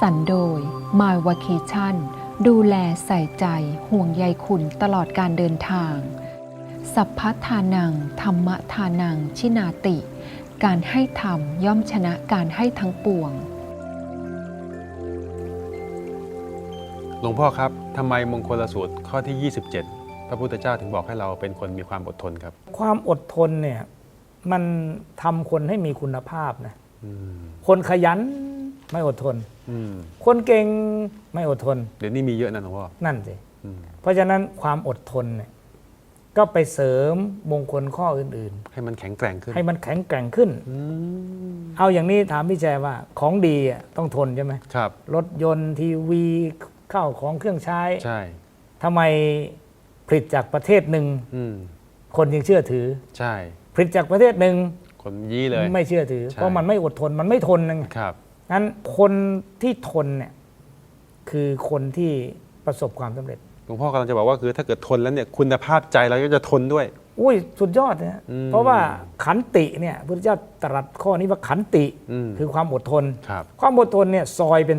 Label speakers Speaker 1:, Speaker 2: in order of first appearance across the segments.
Speaker 1: สรรค์โดย My Vacation ดูแลใส่ใจห่วงใยคุณตลอดการเดินทาง สัพพทานังธรรมทานังชินาติ การให้ธรรมย่อมชนะการให้ทั้งปวง
Speaker 2: หลวงพ่อครับทำไมมงคลสูตรข้อที่ 27 พระพุทธเจ้าถึงบอกให้เราเป็นคนมีความอดทนครับ
Speaker 3: ความอดทนเนี่ยมันทำคนให้มีคุณภาพนะคนขยันไม่อดทนคนเก่งไม่อดทน
Speaker 2: เดี๋ยวนี้มีเยอะนะหลวงพ่อ
Speaker 3: นั่นสิเพราะฉะนั้นความอดทนเนี่ยก็ไปเสริมมงคลข้ออื่น
Speaker 2: ๆให้มันแข็งแกร่งขึ้น
Speaker 3: ให้มันแข็งแกร่งขึ้นเอาอย่างนี้ถามพี่แจว่าของดีต้องทนใช่ไหม
Speaker 2: ครับ
Speaker 3: รถยนต์ทีวีข้าวของเครื่องใช้
Speaker 2: ใช่
Speaker 3: ทำไมผลิตจากประเทศหนึ่งคนยังเชื่อถือ
Speaker 2: ใช่
Speaker 3: ผลิตจากประเทศหนึ่ง
Speaker 2: คนยี่เลย
Speaker 3: ไม่เชื่อถือเพราะมันไม่อดทนมันไม่ทน
Speaker 2: นะครับ
Speaker 3: งั้นคนที่ทนเนี่ยคือคนที่ประสบความสำเร็จ
Speaker 2: หลวงพ่อกำลังจะบอกว่าคือถ้าเกิดทนแล้วเนี่ยคุณภาพใจเราก็จะทนด้วย
Speaker 3: อุ้ยสุดยอดนะเพราะว่าขันติเนี่ยพระพุทธเจ้าตรัสข้อนี้ว่าขันติคือความอดทนความอดทนเนี่ยซอยเป็น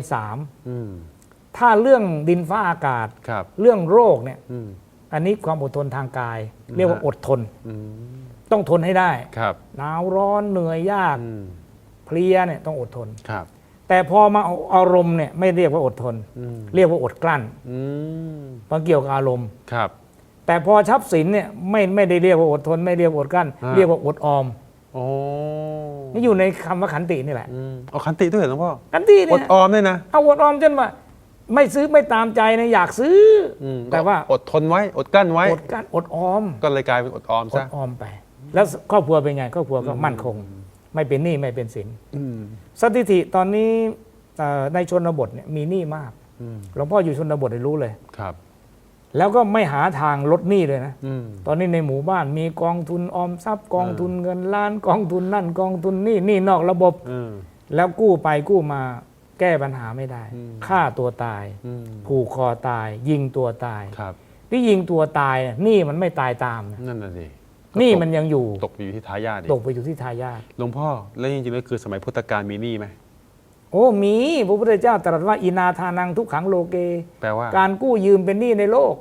Speaker 3: 3ถ้าเรื่องดินฟ้าอากาศเรื่องโรคเนี่ยอันนี้ความอดทนทางกายเรียกว่าอดทนต้องทนให้ได้หนาวร้อนเหนื่อยยากเพลียเนี่ยต้องอดทนแต่พอมาอารมณ์เนี่ยไม่เรียกว่าอดทนเรียกว่าอดกลั้นเพราะเกี่ยวกับอารมณ์แต่พอทรัพย์สินเนี่ยไม่ได้เรียกว่าอดทนไม่เรียกว่าอดกลั้นเรียกว่าอดออมนี่อยู่ในคำว่าขันตินี่แหละ
Speaker 2: เอาขันติด้วยเหรอหลวงพ่อ
Speaker 3: ขันติเนี่ย
Speaker 2: อดออมด้วยนะ
Speaker 3: เอาอดออมจนว่าไม่ซื้อไม่ตามใจนะอยากซื้อแต่ว่า
Speaker 2: อดทนไว้อดกลั้นไว้
Speaker 3: อดกลั้นอดออม
Speaker 2: ก็เลยกลายเป็นอดออมซะ
Speaker 3: อดออมไปแล้วครอบครัวเป็นไงครอบครัวก็มั่นคงไม่เป็นหนี้ไม่เป็นสินสถิติตอนนี้ในชนบทเนี่ยมีหนี้มากหลวงพ่ออยู่ชนบทได้รู้เลย
Speaker 2: ครับ
Speaker 3: แล้วก็ไม่หาทางลดหนี้เลยนะตอนนี้ในหมู่บ้านมีกองทุนออมทรัพย์กองทุนเงินล้านกองทุนนั่นกองทุนนี่นอกระบบแล้วกู้ไปกู้มาแก้ปัญหาไม่ได้ฆ่าตัวตายผูกคอตายยิงตัวตายที่ยิงตัวตายหนี้มันไม่ตายตาม
Speaker 2: นั่นน่ะสิ
Speaker 3: นี่มันยังอยู่
Speaker 2: ตกไปอยู่ที่ทายาท
Speaker 3: ตกไปอยู่ที่ทายาท
Speaker 2: หลวงพ่อแล้วจริงๆแล้วคือสมัยพุทธกาลมีหนี้ไหม
Speaker 3: โอ้มีพระพุทธเจ้าตรัสว่าอินาทานังทุกขังโลเก
Speaker 2: แปลว่า
Speaker 3: การกู้ยืมเป็นหนี้ในโลก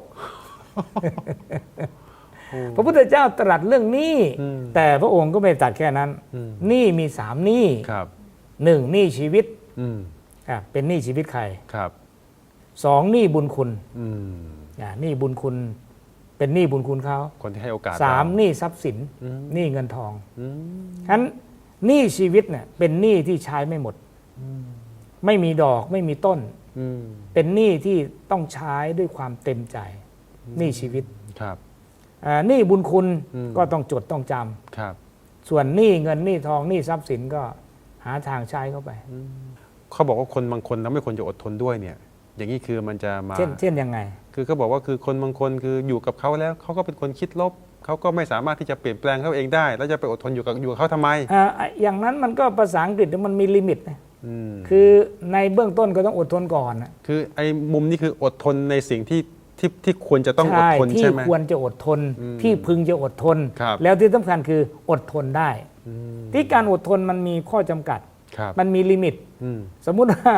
Speaker 3: พระพุทธเจ้าตรัสเรื่องหนี้แต่พระองค์ก็ไม่ตรัสแค่นั้นหนี้มี3หนี้1หนี้ชีวิตเป็นหนี้ชีวิตใคร2หนี้บุญคุณหนี้บุญคุณเป็นหนี้บุญคุณเขา
Speaker 2: คนที่ให้โอกาส
Speaker 3: 3หนี้ทรัพย์สินหนี้เงินทองฉะนั้นหนี้ชีวิตเนี่ยเป็นหนี้ที่ใช้ไม่หมดไม่มีดอกไม่มีต้นเป็นหนี้ที่ต้องใช้ด้วยความเต็มใจหนี้ชีวิตหนี้บุญคุณก็ต้องจดต้องจำส่วนหนี้เงินหนี้ทองหนี้ทรัพย์สินก็หาทางใช้เข้าไป
Speaker 2: เขาบอกว่าคนบางคนเราไม่ควรจะอดทนด้วยเนี่ยอย่างนี้คือมันจะมา
Speaker 3: เช่นยังไง
Speaker 2: คือเขาบอกว่าคือคนบางคนคืออยู่กับเขาแล้วเขาก็เป็นคนคิดลบเขาก็ไม่สามารถที่จะเปลี่ยนแปลงเขาเองได้แล้วจะไปอดทนอยู่กับเขาทำไม
Speaker 3: อย่างนั้นมันก็ภาษาอังกฤษมันมีลิมิตนะคือในเบื้องต้นก็ต้องอดทนก่อน
Speaker 2: คือไอ้มุมนี้คืออดทนในสิ่งที่ควรจะต้องอดทนใช่ไหม
Speaker 3: ที่ควรจะอดทนที่พึงจะอดทนแล้วที่สำคัญคืออดทนได้ที่การอดทนมันมีข้อจำกัดมันมีลิมิตสมมุติว่า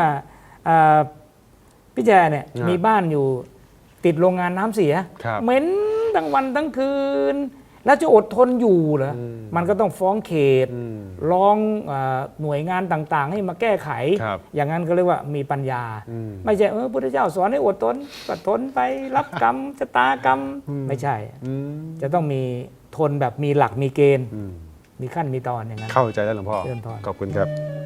Speaker 3: พี่แจเนี่ยมีบ้านอยู่ติดโรงงานน้ำเสียเหม็นทั้งวันทั้งคืนแล้วจะอดทนอยู่เหรอมันก็ต้องฟ้องเขตร้องหน่วยงานต่างๆให้มาแก้ไขอย่างนั้นก็เรียกว่ามีปัญญาไม่ใช่พุทธเจ้าสอนให้อดทนก็ทนไปรับกรรมชะตากรรมไม่ใช่จะต้องมีทนแบบมีหลักมีเกณฑ์มีขั้นมีตอนอย่างนั้น
Speaker 2: เข้าใจแล้วหลวงพ่อขอบคุณครับ